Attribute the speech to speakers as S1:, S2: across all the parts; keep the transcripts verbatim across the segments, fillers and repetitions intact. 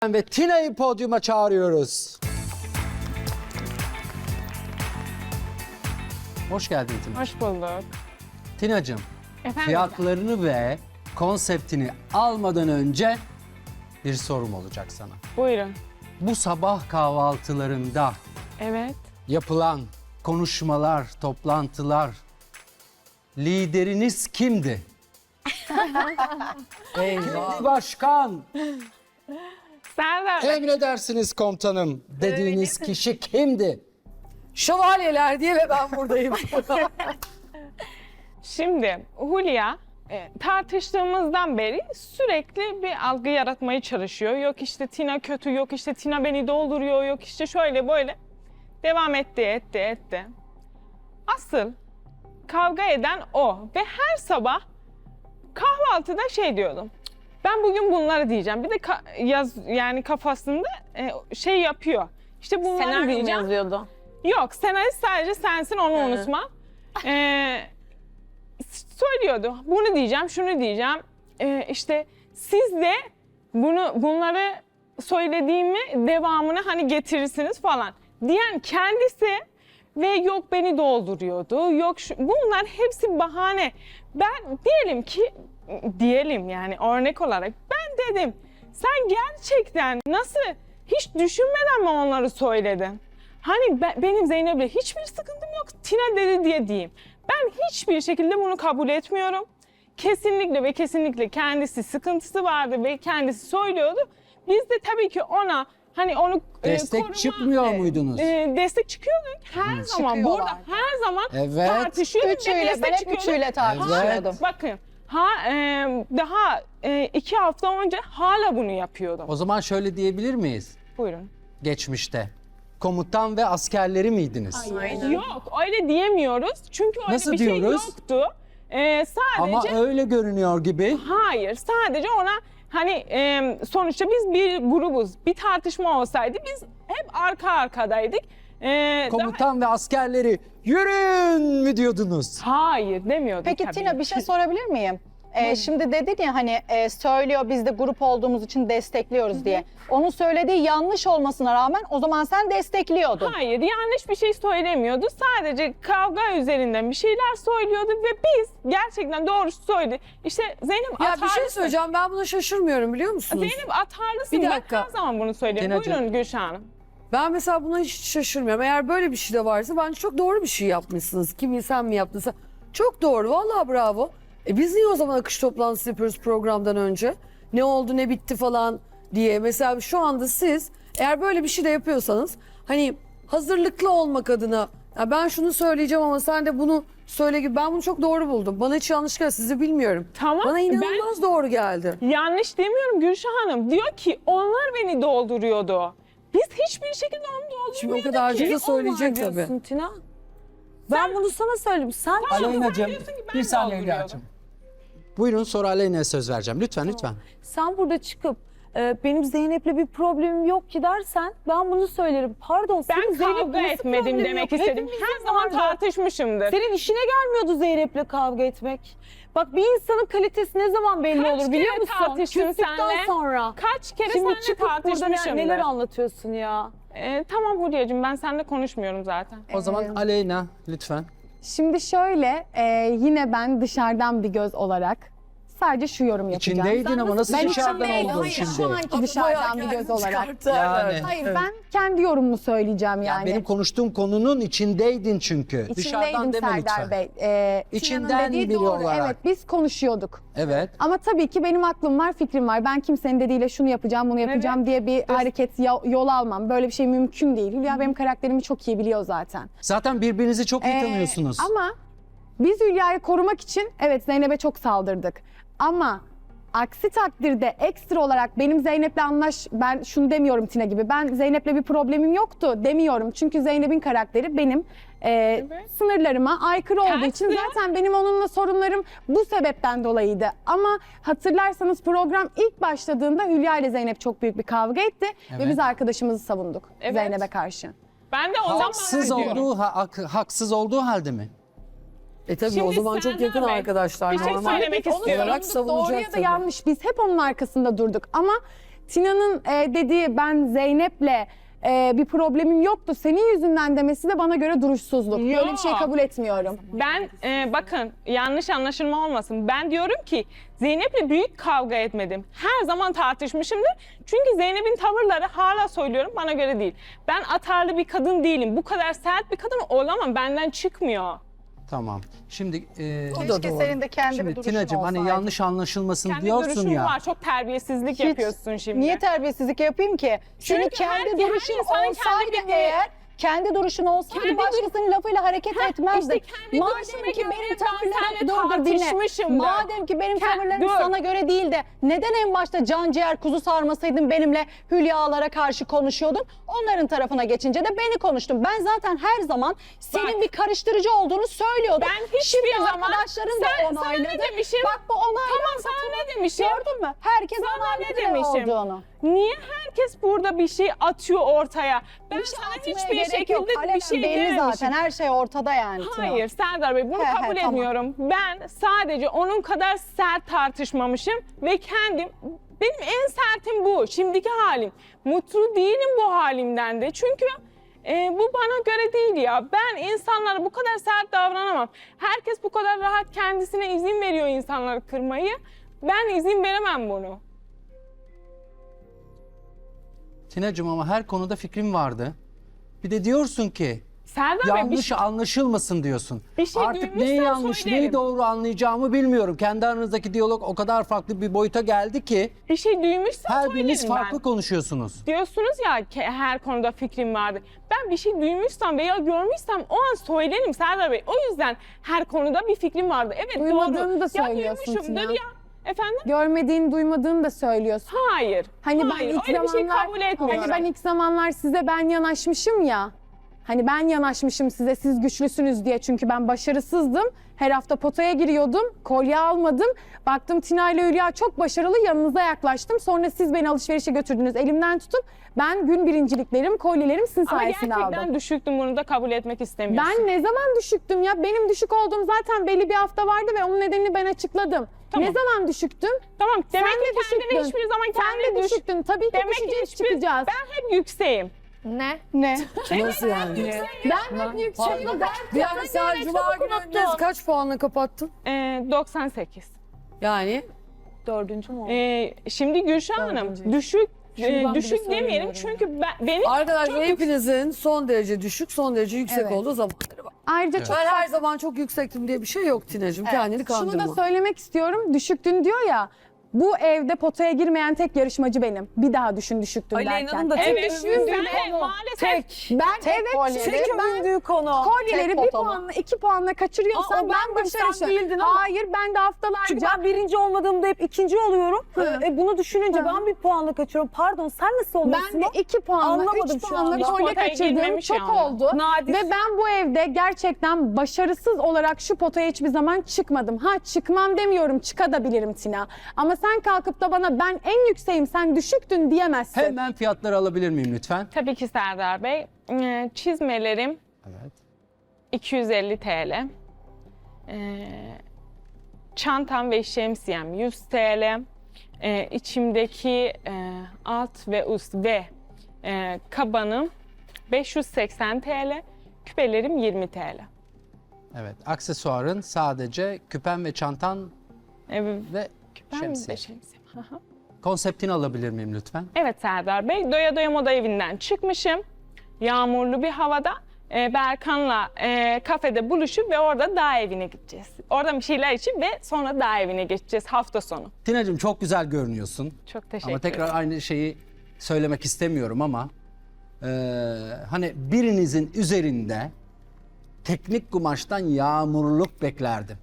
S1: Ve Tina'yı podyuma çağırıyoruz. Hoş geldin Tina.
S2: Hoş bulduk.
S1: Tina'cığım,
S2: Efendim?
S1: fiyatlarını ve konseptini almadan önce bir sorum olacak sana.
S2: Buyurun.
S1: Bu sabah kahvaltılarında
S2: Evet.
S1: yapılan konuşmalar, toplantılar, lideriniz kimdi? Kimdi başkan?
S2: Serdar.
S1: Emredersiniz komutanım dediğiniz kişi kimdi?
S3: Şövalyeler diye ve ben buradayım.
S2: Şimdi Hulya e, tartıştığımızdan beri sürekli bir algı yaratmaya çalışıyor. Yok işte Tina kötü, yok işte Tina beni dolduruyor, yok işte şöyle böyle. Devam etti, etti, etti. Asıl kavga eden o ve her sabah kahvaltıda şey diyordum. Ben bugün bunları diyeceğim. Bir de ka- yaz yani kafasında e, şey yapıyor. İşte bunları
S4: Senaryo mu
S2: diyeceğim.
S4: yazıyordu?
S2: Yok, senarist sadece sensin, onu unutma. Ee, söylüyordu, bunu diyeceğim, şunu diyeceğim. Ee, işte siz de bunu bunları söylediğimi devamını hani getirirsiniz falan diyen kendisi ve yok beni dolduruyordu, yok şu, bunlar hepsi bahane. Ben diyelim ki, diyelim yani örnek olarak ben dedim, sen gerçekten nasıl hiç düşünmeden mi onları söyledin? Hani ben, benim Zeynep'le hiçbir sıkıntım yok, Tina dedi diye diyeyim. Ben hiçbir şekilde bunu kabul etmiyorum. Kesinlikle ve kesinlikle kendisi sıkıntısı vardı ve kendisi söylüyordu. Biz de tabii ki ona hani onu
S1: Destek
S2: e, koruma,
S1: çıkmıyor
S2: e,
S1: muydunuz?
S2: E, destek çıkıyorduk her zaman.
S3: Çıkıyorlar.
S2: Burada her zaman
S1: Evet.
S2: tartışıyorduk ve
S4: Üçüyle,
S2: destek
S4: ben hep
S2: çıkıyorduk.
S4: üçüyle tartışıyordum.
S2: Bakın ha e, daha e, iki hafta önce hala bunu yapıyordum.
S1: O zaman şöyle diyebilir miyiz?
S2: Buyurun.
S1: Geçmişte. Komutan ve askerleri miydiniz?
S2: Yok öyle diyemiyoruz çünkü öyle
S1: Nasıl
S2: bir şey
S1: diyoruz?
S2: yoktu. E, sadece
S1: Ama öyle görünüyor gibi.
S2: hayır sadece ona hani e, sonuçta biz bir grubuz. Bir tartışma olsaydı biz hep arka arkadaydık. E,
S1: Komutan ve askerleri yürüyün mü diyordunuz?
S2: daha- hayır demiyorduk
S4: Peki
S2: tabii.
S4: Tina bir şey sorabilir miyim? Ee, şimdi dedin ya hani e, söylüyor biz de grup olduğumuz için destekliyoruz diye. Onun söylediği yanlış olmasına rağmen o zaman sen destekliyordun.
S2: Hayır, yanlış bir şey söylemiyordu. Sadece kavga üzerinden bir şeyler söylüyordu ve biz gerçekten doğrusu söyledi. İşte Zeynep
S3: ya
S2: atarlısın.
S3: bir şey söyleyeceğim, ben buna şaşırmıyorum biliyor musunuz?
S2: Zeynep atarlısın.
S3: Bir
S2: Ben
S3: dakika.
S2: her zaman bunu söylüyorum.
S1: Tinacığım.
S2: Buyurun Gülşah Hanım.
S3: Ben mesela buna hiç şaşırmıyorum. Eğer böyle bir şey de varsa bence çok doğru bir şey yapmışsınız. Kim sen mi yaptınsa. Çok doğru, vallahi bravo. E biz niye o zaman akış toplantısı yapıyoruz programdan önce? Ne oldu, ne bitti falan diye. Mesela şu anda siz eğer böyle bir şey de yapıyorsanız hani hazırlıklı olmak adına ya ben şunu söyleyeceğim ama sen de bunu söyle gibi, ben bunu çok doğru buldum. Bana hiç yanlış geldi, sizi bilmiyorum.
S2: Tamam,
S3: Bana
S2: ben-
S3: inanılmaz doğru geldi.
S2: Yanlış demiyorum Gülşah Hanım. Diyor ki onlar beni dolduruyordu. Biz hiçbir şekilde onu doldurmuyorduk
S3: Şimdi o kadar
S2: ki.
S3: da söyleyecek tabii.
S5: diyorsun Tina. Ben bunu sana söyledim. Sen
S1: Aleyna'cığım
S2: diyorsun ki ben
S1: bir saniye
S2: dolduruyordum.
S1: Hülya'cığım. Buyurun sonra Aleyna'ya söz vereceğim. Lütfen lütfen.
S5: sen burada çıkıp e, benim Zeynep'le bir problemim yok ki dersen ben bunu söylerim. Pardon
S2: Ben
S5: senin Zeynep'le
S2: kavga
S5: nasıl
S2: etmedim
S5: problemin
S2: demek
S5: yok?
S2: istedim.
S5: Hepimizin
S2: Her zaman
S5: vardı.
S2: tartışmışımdır.
S5: Senin işine gelmiyordu Zeynep'le kavga etmek. Bak bir insanın kalitesi ne zaman belli
S2: Kaç
S5: olur biliyor
S2: kere
S5: musun?
S2: tartıştım
S5: Küstükten
S2: senle?
S5: sonra.
S2: Kaç kere
S5: Şimdi
S2: seninle
S5: çıkıp burada ne-
S2: tartışmışımdır.
S5: neler anlatıyorsun ya?
S2: Ee, tamam Hulya'cığım ben seninle konuşmuyorum zaten.
S1: O zaman Aleyna lütfen.
S6: Şimdi şöyle, e, yine ben dışarıdan bir göz olarak sadece şu yorum yapacağım.
S1: İçindeydin ama nasıl
S6: Ben
S1: dışarıdan
S6: içindeydim,
S1: oldun
S6: hayır,
S1: şimdi?
S6: şu anki dışarıdan bir göz olarak.
S1: Yani.
S6: Hayır, ben kendi yorumumu söyleyeceğim yani.
S1: Benim konuştuğum konunun içindeydin çünkü. Dışarıdan
S6: İçindeydim
S1: deme
S6: Serdar
S1: lütfen.
S6: Bey. E,
S1: İçinden
S6: Tina'nın dediği
S1: biri
S6: doğru.
S1: olarak.
S6: Evet, biz konuşuyorduk.
S1: Evet.
S6: Ama tabii ki benim aklım var, fikrim var. Ben kimsenin dediğiyle şunu yapacağım, bunu yapacağım
S2: Evet.
S6: diye bir hareket, ya- yol almam. Böyle bir şey mümkün değil. Hülya benim karakterimi çok iyi biliyor zaten.
S1: Zaten birbirinizi çok iyi
S6: Ee,
S1: tanıyorsunuz.
S6: Ama biz Hülya'yı korumak için evet Zeynep'e çok saldırdık. Ama aksi takdirde ekstra olarak benim Zeynep'le anlaş... Ben şunu demiyorum Tina gibi. Ben Zeynep'le bir problemim yoktu demiyorum. Çünkü Zeynep'in karakteri benim e, sınırlarıma aykırı olduğu için
S2: Tersi.
S6: zaten benim onunla sorunlarım bu sebepten dolayıydı. Ama hatırlarsanız program ilk başladığında Hülya ile Zeynep çok büyük bir kavga etti.
S1: Evet.
S6: Ve biz arkadaşımızı savunduk
S2: Evet.
S6: Zeynep'e karşı.
S2: Ben de ondan
S1: Haksız
S2: bahsediyorum.
S1: olduğu, ha- hak- haksız olduğu halde mi?
S3: E tabii
S2: Şimdi
S3: o zaman çok
S2: Serdar
S3: yakın
S2: Bey,
S3: arkadaşlar.
S2: bir şey
S3: normal
S2: söylemek
S6: Onu
S2: istiyorum.
S3: olarak
S6: savunduk, doğru
S3: savunacak
S6: ya da
S3: tabii.
S6: yanlış. Biz hep onun arkasında durduk ama Tina'nın e, dediği ben Zeynep'le e, bir problemim yoktu senin yüzünden demesi de bana göre duruşsuzluk. Böyle bir şey
S2: Yok.
S6: kabul etmiyorum.
S2: Ben e, bakın yanlış anlaşılma olmasın. Ben diyorum ki Zeynep'le büyük kavga etmedim. Her zaman tartışmışımdır. Çünkü Zeynep'in tavırları hala söylüyorum bana göre değil. Ben atarlı bir kadın değilim. Bu kadar sert bir kadın olamam. Benden çıkmıyor.
S1: Tamam. Şimdi e,
S3: O da
S4: Keşke
S3: doğru.
S4: senin de kendi bir
S1: şimdi
S4: duruşun
S1: Tina'cığım hani
S4: olsaydı.
S1: yanlış anlaşılmasın
S2: Kendi
S1: diyorsun
S2: duruşun
S1: ya.
S2: var. Çok terbiyesizlik
S4: Hiç-
S2: yapıyorsun şimdi.
S4: Niye terbiyesizlik yapayım ki? Senin
S2: Çünkü
S4: kendi
S2: her-
S4: duruşun
S2: her insanın
S4: olsaydı
S2: kendi bir-
S4: eğer, kendi duruşun olsaydı
S2: Kendi-
S4: başkasının lafıyla hareket etmezdin.
S2: işte kendi
S4: Madem
S2: duruşuma
S4: ki
S2: göre
S4: benim
S2: ben
S4: tavırlarım
S2: seninle
S4: dur dur dinle.
S2: tartışmışımdır.
S4: Madem ki benim
S2: Kend-
S4: tavırlarım
S2: dur.
S4: sana göre değil de neden en başta can ciğer kuzu sarmasaydın benimle Hülya'lara karşı konuşuyordun? Onların tarafına geçince de beni konuştun. Ben zaten her zaman senin
S2: Bak.
S4: bir karıştırıcı olduğunu söylüyordum.
S2: Ben hiçbir
S4: Şimdi
S2: zaman
S4: arkadaşların
S2: sen,
S4: da
S2: sana
S4: onayladı.
S2: ne demişim?
S4: Bak bu onayladı.
S2: Tamam sana ne demişim?
S4: Gördün mü? Herkes
S2: Sana
S4: onayladı
S2: ne demişim?
S4: olduğunu.
S2: Niye herkes burada bir şey atıyor ortaya? Ben
S4: Bir şey
S2: sana
S4: atmaya
S2: hiçbir
S4: gerek
S2: şekilde
S4: yok.
S2: bir
S4: Alenen
S2: şey
S4: belli
S2: dememişim.
S4: zaten. Her şey ortada yani. Tina.
S2: Hayır Serdar Bey bunu
S4: He he,
S2: kabul
S4: tamam.
S2: etmiyorum. Ben sadece onun kadar sert tartışmamışım ve kendim benim en sertim bu şimdiki halim. Mutlu değilim bu halimden de çünkü e, bu bana göre değil ya. Ben insanlara bu kadar sert davranamam. Herkes bu kadar rahat kendisine izin veriyor insanları kırmayı. Ben izin veremem bunu.
S1: Tina'cığım ama her konuda fikrim vardı. Bir de diyorsun ki
S2: Serdar Bey bir
S1: yanlış
S2: şey-
S1: anlaşılmasın diyorsun.
S2: Bir şey
S1: Artık neyi
S2: duymuşsam
S1: yanlış,
S2: söylerim.
S1: neyi doğru anlayacağımı bilmiyorum. Kendi aranızdaki diyalog o kadar farklı bir boyuta geldi ki
S2: bir şey duymuşsam
S1: her
S2: söylerim
S1: biriniz
S2: ben.
S1: farklı konuşuyorsunuz.
S2: Diyorsunuz ya ki her konuda fikrim vardı. Ben bir şey duymuşsam veya görmüşsem o an söylerim Serdar Bey. O yüzden her konuda bir fikrim vardı. Evet
S6: Duymadığını
S2: doğru.
S6: da söylüyorsun
S2: Ya duymuşumdur
S6: Tina.
S2: ya. Efendim?
S6: Görmediğini, duymadığını da söylüyorsun.
S2: Hayır.
S6: Hani
S2: Hayır.
S6: ben ilk
S2: Öyle bir şey
S6: zamanlar
S2: kabul etmiyorum.
S6: hani ben ilk zamanlar size ben yanaşmışım ya. Hani ben yanaşmışım size siz güçlüsünüz diye çünkü ben başarısızdım. Her hafta potaya giriyordum, kolye almadım. Baktım Tina ile Hülya çok başarılı yanınıza yaklaştım. Sonra siz beni alışverişe götürdünüz elimden tutup ben gün birinciliklerim, kolyelerim sizin
S2: Ama
S6: sayesinde
S2: gerçekten
S6: aldım.
S2: düşüktüm bunu da kabul etmek istemiyorsun.
S6: Ben ne zaman düşüktüm ya? Benim düşük olduğum zaten belli bir hafta vardı ve onun nedenini ben açıkladım.
S2: Tamam.
S6: Ne zaman düşüktüm?
S2: Tamam demek
S6: Sen
S2: ki
S6: de
S2: kendini
S6: düşüktün.
S2: hiçbir zaman
S6: Sen
S2: kendini
S6: de
S2: düş.
S6: düşüktün. Tabii ki
S2: Demek ki
S6: düşeceğiz,
S2: hiçbir...
S6: çıkacağız.
S2: Ben hep yükseğim.
S6: Ne?
S4: Ne?
S3: Nasıl yani?
S6: Ben hep yükseğim.
S3: Yani sen cuma günü kaç puanla kapattın?
S2: Ee, doksan sekiz.
S3: Yani
S5: Dördüncü mü oldu?
S2: Ee, şimdi Gülşah Hanım
S5: Dördüncü.
S2: düşük e,
S5: Şuradan bile
S2: düşük demeyelim
S5: söylemiyorum
S2: çünkü ben, benim
S3: arkadaşlar
S2: çok
S3: hepinizin son derece düşük, son derece yüksek
S6: Evet.
S3: olduğu zamanları var.
S6: Ayrıca çok
S3: Ben her zaman çok yüksektim diye bir şey yok Tina'cığım. Kendini kandırma.
S6: şunu da söylemek istiyorum. Düşüktün diyor ya. Bu evde potaya girmeyen tek yarışmacı benim. Bir daha düşün düşüktün derken.
S5: Aleyna'nın da tek
S2: evet,
S5: övündüğü
S2: ben
S5: konu.
S2: maalesef
S5: Tek.
S6: Ben
S4: Tek
S6: evet
S4: kolyeleri.
S6: çünkü
S5: Tek
S6: ben
S5: övündüğü konu.
S6: kolyeleri
S4: Tek
S6: bir
S4: potama.
S6: puanla iki puanla kaçırıyorsam
S5: Aa, o
S6: ben
S5: bendim, sen
S6: başarışım.
S5: değildin ama.
S6: Hayır ben de haftalarca
S5: Çünkü ben birinci olmadığımda hep ikinci oluyorum.
S6: Hı.
S5: E, bunu düşününce
S6: Hı.
S5: ben bir puanla kaçıyorum. Pardon sen nasıl oluyorsun?
S6: ben de iki puanla,
S5: Anlamadım
S6: üç
S5: şu
S6: puanla
S5: anda.
S2: Hiç
S6: kolye
S2: potaya
S6: kaçırdığım
S2: girmemiş
S6: çok
S2: yani.
S6: oldu.
S5: Nadir.
S6: Ve ben bu evde gerçekten başarısız olarak şu potaya hiçbir zaman çıkmadım. Ha çıkmam demiyorum, çıkabilirim Tina. Ama sen kalkıp da bana ben en yükseğim, sen düşüktün diyemezsin.
S1: Hemen fiyatları alabilir miyim lütfen?
S2: tabii ki Serdar Bey. Ee, Çizmelerim
S1: Evet.
S2: iki yüz elli T L. Ee, çantam ve şemsiyem yüz T L. Ee, içimdeki e, alt ve üst ve e, kabanım beş yüz seksen T L. Küpelerim yirmi T L.
S1: Evet. Aksesuarın sadece küpen ve çantan
S2: Evet,
S1: ve
S2: ben
S1: şemsiye.
S2: de şemsiyem. Aha.
S1: Konseptini alabilir miyim lütfen?
S2: Evet Serdar Bey, Doya Doya Moda Evi'nden çıkmışım. Yağmurlu bir havada e, Berkan'la e, kafede buluşup ve orada dağ evine gideceğiz. Orada bir şeyler içip ve sonra dağ evine geçeceğiz hafta sonu.
S1: Tina'cığım çok güzel görünüyorsun.
S2: Çok teşekkür
S1: Ama tekrar
S2: ederim.
S1: aynı şeyi söylemek istemiyorum ama eee, hani birinizin üzerinde teknik kumaştan yağmurluk beklerdim.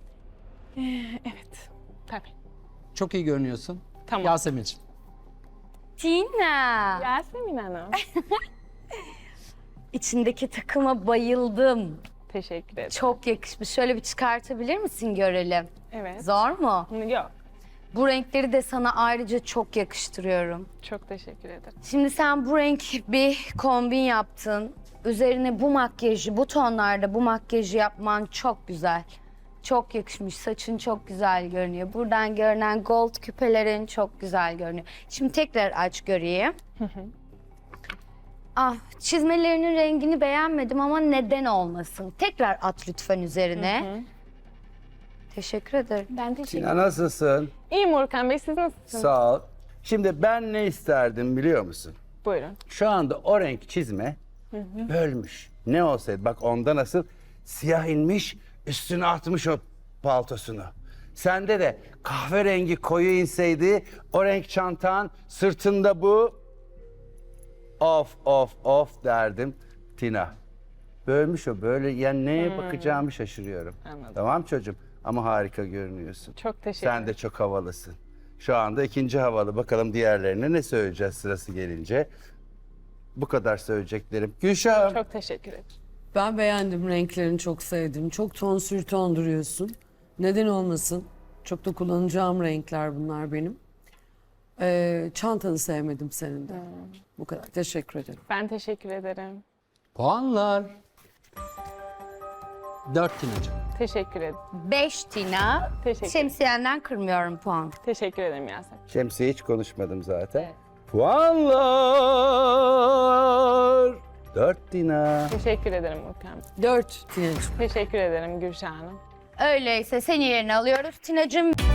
S2: Evet, tabii.
S1: Çok iyi görünüyorsun.
S2: Tamam.
S1: Yasemin'ciğim.
S7: Tina,
S2: Yasemin Hanım,
S7: içindeki takıma bayıldım.
S2: teşekkür ederim.
S7: Çok yakışmış. Şöyle bir çıkartabilir misin görelim?
S2: Evet.
S7: Zor mu?
S2: Yok,
S7: Bu renkleri de sana ayrıca çok yakıştırıyorum.
S2: çok teşekkür ederim.
S7: Şimdi sen bu renk bir kombin yaptın. Üzerine bu makyajı, bu tonlarda bu makyajı yapman çok güzel. çok yakışmış. Saçın çok güzel görünüyor. Buradan görünen gold küpelerin çok güzel görünüyor. Şimdi tekrar aç göreyim. Ah, çizmelerinin rengini beğenmedim ama neden olmasın? Tekrar at lütfen üzerine. Teşekkür ederim.
S2: Ben teşekkür
S8: Tina nasılsın?
S2: İyiyim Urkan Bey, siz nasılsınız?
S8: Sağ ol. Şimdi ben ne isterdim biliyor musun?
S2: Buyurun.
S8: Şu anda o renk çizme bölmüş. Ne olsaydı bak onda nasıl siyah inmiş üstüne atmış o paltosunu. Sende de kahverengi koyu inseydi o renk çantan sırtında bu of of of derdim Tina. Bölmüş o böyle yani neye bakacağımı şaşırıyorum.
S2: Anladım.
S8: Tamam çocuğum ama harika görünüyorsun.
S2: Çok teşekkür
S8: Sen de çok havalısın. Şu anda ikinci havalı. Bakalım diğerlerine ne söyleyeceğiz sırası gelince. Bu kadar söyleyeceklerim. Gülşah'ım.
S2: Çok teşekkür ederim.
S3: Ben beğendim, renklerini çok sevdim. Çok ton sür ton duruyorsun. Neden olmasın? Çok da kullanacağım renkler bunlar benim. Ee, çantanı sevmedim senin de. Bu kadar. Teşekkür ederim.
S2: Ben teşekkür ederim.
S1: Puanlar. Dört Tina'cığım.
S2: Teşekkür ederim.
S7: Beş Tina.
S2: Teşekkür.
S7: Şemsiyenden kırmıyorum puan.
S2: Teşekkür ederim Yasemin.
S8: Şemsiye hiç konuşmadım zaten. Puanlar. Dört Tina.
S2: Teşekkür ederim Urkan Bey.
S3: Dört Tina'cığım.
S2: Teşekkür ederim Gülşah Hanım.
S7: Öyleyse seni yerine alıyoruz Tina'cığım.